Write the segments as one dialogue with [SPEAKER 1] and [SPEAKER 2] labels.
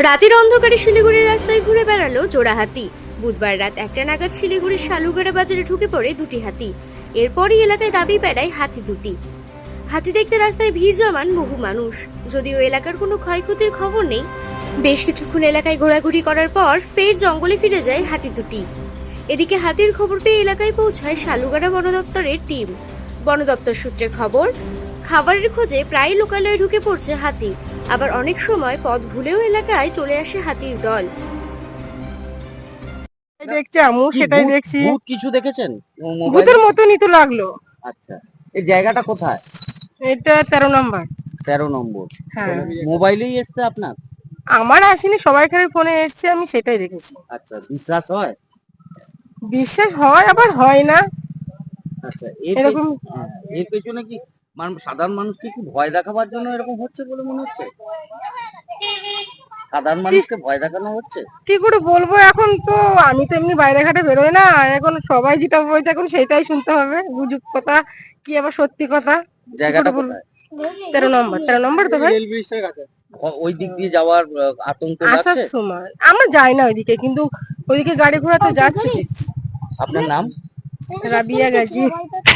[SPEAKER 1] রাতের অন্ধকারে শিলিগুড়ির রাস্তায় ঘুরে বেড়ালো জোড়া হাতি। বুধবার রাত 1টা নাগাদ শিলিগুড়ির শালুগাড়া বাজারে ঢুকে পড়ে দুটি হাতি। এরপরই এলাকায় দাবি বেড়ায় হাতি দুটি। হাতি দেখতে রাস্তায় ভিড় জমান বহু মানুষ। যদিও এলাকার কোনো ক্ষয়ক্ষতির খবর নেই। বেশ কিছুক্ষণ এলাকায় ঘোরাঘুরি করার পর ফের জঙ্গলে ফিরে যায় হাতি দুটি। এদিকে হাতির খবর পেয়ে এলাকায় পৌঁছায় শালুগাড়া বন দপ্তরের টিম। বন দপ্তর সূত্রে খবর, খাবারের খোঁজে প্রায় লোকালয়ে ঢুকে পড়ছে হাতি। আবার অনেক সময় পথ ভুলেও এলাকায় চলে আসে হাতির দল।
[SPEAKER 2] দেখছি আমিও সেটাই দেখছি।
[SPEAKER 3] ভূত কিছু দেখেছেন?
[SPEAKER 2] ভূতের মতনই তো লাগলো।
[SPEAKER 3] আচ্ছা, এই জায়গাটা কোথায়?
[SPEAKER 2] এটা 13 নম্বর।
[SPEAKER 3] 13 নম্বর।
[SPEAKER 2] হ্যাঁ,
[SPEAKER 3] মোবাইলেই এসছে আপনার?
[SPEAKER 2] আমার আসেনি, সবাইকার ফোনে এসছে, আমি সেটাই দেখেছি।
[SPEAKER 3] আচ্ছা, বিশ্বাস হয়?
[SPEAKER 2] বিশ্বাস হয় আবার হয় না।
[SPEAKER 3] আচ্ছা,
[SPEAKER 2] এরকম
[SPEAKER 3] এর পেছনে কি সাধারণ মানুষকে কি ভয় দেখাবার জন্য এরকম হচ্ছে বলে মনে হচ্ছে? সাধারণ মানুষকে ভয় দেখানো হচ্ছে?
[SPEAKER 2] কি করে বলবো, এখন তো আমি তো এমনি বাইরে ঘাটে বেরোই না, এখন সবাই যেটা বলছে এখন সেটাই শুনতে হবে। গুজব কথা কি আবার সত্যি কথা।
[SPEAKER 3] জায়গাটা কোথায়?
[SPEAKER 2] 13 নম্বর তো ভাই।
[SPEAKER 3] রেল ব্রিজের কাছে। ওই দিক দিয়ে যাওয়ার আতঙ্ক
[SPEAKER 2] আসার
[SPEAKER 3] লাগছে?
[SPEAKER 2] সময় আমরা যাই না ওইদিকে, কিন্তু ওইদিকে গাড়ি ঘোড়া তো যাচ্ছে।
[SPEAKER 3] আপনার নাম?
[SPEAKER 2] রাবিয়া গাজী।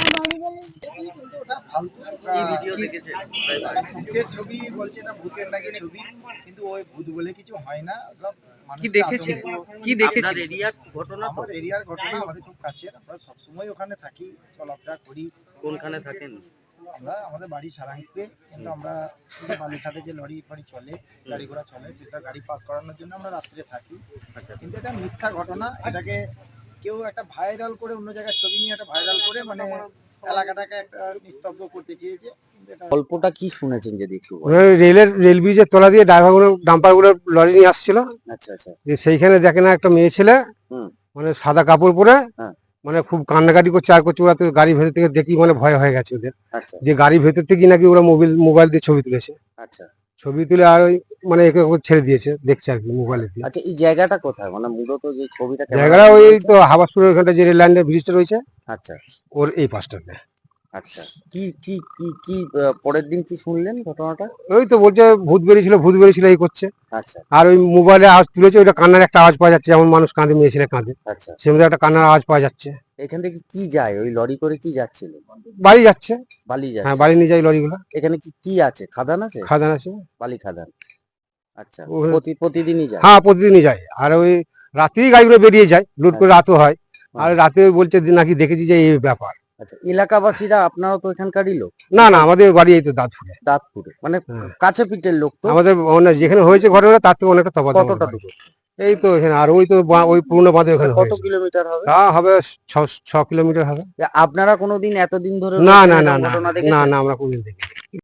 [SPEAKER 4] ভূতের ছবি বলছে না, ভূতের নাকি ছবি, কিন্তু ওই ভূত বলে কিছু হয় না। সব
[SPEAKER 3] কি দেখেছেন? কি দেখেছেন? এরিয়ার ঘটনা?
[SPEAKER 4] আমার এরিয়ার ঘটনা, আমাদের খুব কাছের, আমরা সবসময় ওখানে থাকি, চলাফেরা করি।
[SPEAKER 3] কোনখানে থাকেন?
[SPEAKER 4] আমরা আমাদের বাড়ি সারাংপুরে, কিন্তু আমরা বালিখাতে যে লরি ফরি চলে, গাড়ি ঘোড়া চলে, সেসব গাড়ি পাস করানোর জন্য আমরা রাত্রে থাকি। কিন্তু এটা মিথ্যা ঘটনা। এটাকে কেউ একটা ভাইরাল করে, অন্য জায়গায় ছবি নিয়ে একটা ভাইরাল করে, মানে এলাকাটাকে একটা নিস্তব্ধ করতে চেয়েছে। কিন্তু এটা
[SPEAKER 3] গল্পটা কি শুনেছেন যদি একটু বলেন?
[SPEAKER 5] রেল ব্রিজের তলা দিয়ে ড্রাইভারগুলো ডাম্পারগুলো লরি নিয়ে আসছিল।
[SPEAKER 3] আচ্ছা আচ্ছা।
[SPEAKER 5] যে সেইখানে দেখে না একটা মেয়ে ছেলে,
[SPEAKER 3] হুম।
[SPEAKER 5] মানে সাদা কাপড় পরে,
[SPEAKER 3] হ্যাঁ।
[SPEAKER 5] মানে খুব কান্নাকাটি করছে আর করছে। ওরা তো গাড়ি ভেতর থেকে দেখি মানে ভয় হয়ে গেছে ওদের,
[SPEAKER 3] আচ্ছা
[SPEAKER 5] যে গাড়ি ভেতর থেকে নাকি ওরা মোবাইল দিয়ে ছবি তুলেছে।
[SPEAKER 3] আচ্ছা
[SPEAKER 5] ছবি তুলে আর ওই মানে একে ওকে ছেড়ে দিয়েছে, দেখছে আর কি মোবাইলে দিয়ে।
[SPEAKER 3] আচ্ছা, এই জায়গাটা কোথায়? মানে মূলত যে ছবিটা
[SPEAKER 5] জায়গাটা ওই তো হাবাসপুরের ওখানটা যে রেল লাইনের ব্রিজটা রয়েছে,
[SPEAKER 3] আচ্ছা
[SPEAKER 5] ওর এই পাশটাতে।
[SPEAKER 3] আচ্ছা। কি কি কি কি পরের দিন কি শুনলেন ঘটনাটা?
[SPEAKER 5] ওই তো বলছে ভূত বেরিয়েছিল এই করছে।
[SPEAKER 3] আচ্ছা
[SPEAKER 5] আর ওই মোবাইলে আওয়াজ তুলেছে, ওইটা কান্নার একটা আওয়াজ পাওয়া যাচ্ছে, যেমন মানুষ কাঁদে, মেয়ে ছেলে কাঁদে,
[SPEAKER 3] আচ্ছা।
[SPEAKER 5] সেমনি একটা কান্নার আওয়াজ পাওয়া যাচ্ছে।
[SPEAKER 3] এখান থেকে কি যায়? ওই লরি করে কি যাচ্ছিল?
[SPEAKER 5] বাড়ি যাচ্ছে।
[SPEAKER 3] বালি
[SPEAKER 5] হ্যাঁ,
[SPEAKER 3] যাচ্ছে।
[SPEAKER 5] বাড়ি নিয়ে যায় লরিগুলো।
[SPEAKER 3] এখানে কি কি আছে? খাদান আছে?
[SPEAKER 5] খাদান আছে।
[SPEAKER 3] বালি খাদান। আচ্ছা,
[SPEAKER 5] ও-
[SPEAKER 3] প্রতিদিনই যায়?
[SPEAKER 5] হ্যাঁ, প্রতিদিনই যায়। আর ওই রাত্রেই গাড়িগুলো বেরিয়ে যায়, লুট করে রাতও হয়। আর রাতে ওই বলছে যে নাকি দেখেছি যে এই ব্যাপার।
[SPEAKER 3] আচ্ছা, এলাকাবাসীরা, আপনারা তো এখানকারই লোক?
[SPEAKER 5] না না, আমাদের বাড়ি এই তো দাঁতপুরে।
[SPEAKER 3] দাঁতপুরে, মানে
[SPEAKER 5] হ্যাঁ।
[SPEAKER 3] কাছে পিঠের লোক তো?
[SPEAKER 5] আমাদের মানে যেখানে হয়েছে ঘটনা তার থেকে অনেকটা তফাৎ।
[SPEAKER 3] কতটা দূর?
[SPEAKER 5] এই তো এখানে। আর ওই তো ওই পুরনো বাঁধে ওখানে
[SPEAKER 3] কত
[SPEAKER 5] হয়েছে।
[SPEAKER 3] কিলোমিটার হবে?
[SPEAKER 5] তা হবে 6 কিলোমিটার হবে।
[SPEAKER 3] আপনারা কোনোদিন এতদিন ধরে
[SPEAKER 5] না
[SPEAKER 3] রয়েছেন,
[SPEAKER 5] না না
[SPEAKER 3] এরকম
[SPEAKER 5] না
[SPEAKER 3] ঘটনা
[SPEAKER 5] না
[SPEAKER 3] দেখেছেন?
[SPEAKER 5] না, আমরা কোনদিন দেখি।